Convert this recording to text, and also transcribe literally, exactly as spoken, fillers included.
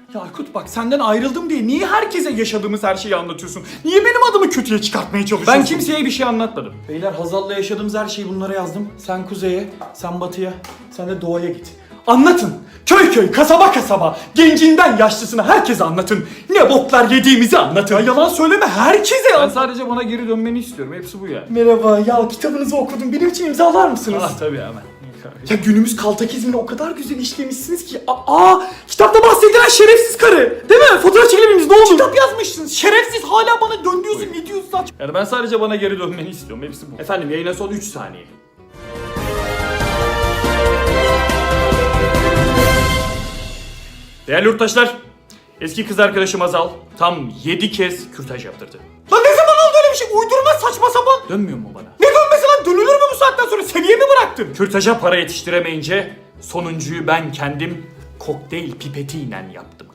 Ya Aykut bak senden ayrıldım diye niye herkese yaşadığımız her şeyi anlatıyorsun? Niye benim adımı kötüye çıkartmaya çalışıyorsun? Ben kimseye bir şey anlatmadım. Beyler Hazal'la yaşadığımız her şeyi bunlara yazdım. Sen kuzeye, sen batıya, sen de doğuya git. Anlatın. Köy köy, kasaba kasaba, gencinden yaşlısına herkese anlatın. Ne boklar yediğimizi anlatın. Ya yalan söyleme herkese Ben anlatın. sadece bana geri dönmeni istiyorum. Hepsi bu yani. Merhaba ya kitabınızı okudum. Benim için imzalar mısınız? Ah tabii hemen. Ya günümüz kaltakizmini o kadar güzel işlemişsiniz ki. Aa, aa kitapta bahsedilen şerefsiz karı. Değil mi? Fotoğraf çekebilir miyiz? Ne olur? Kitap yazmışsınız. Şerefsiz hala bana dön diyorsun. Ne diyorsun saç? Yani ben sadece bana geri dönmeni istiyorum. Hepsi bu. Efendim yayına son üç saniye. Değerli yurttaşlar, eski kız arkadaşım Azal tam yedi kez kürtaj yaptırdı. Lan ne zaman oldu öyle bir şey? Uydurma saçma sapan. Dönmüyor mu bana? Ne dönmesi lan? Dönülür mü bu saatten sonra? Seviye mi bıraktın? Kürtaja para yetiştiremeyince sonuncuyu ben kendim kokteyl pipetiyle yaptım.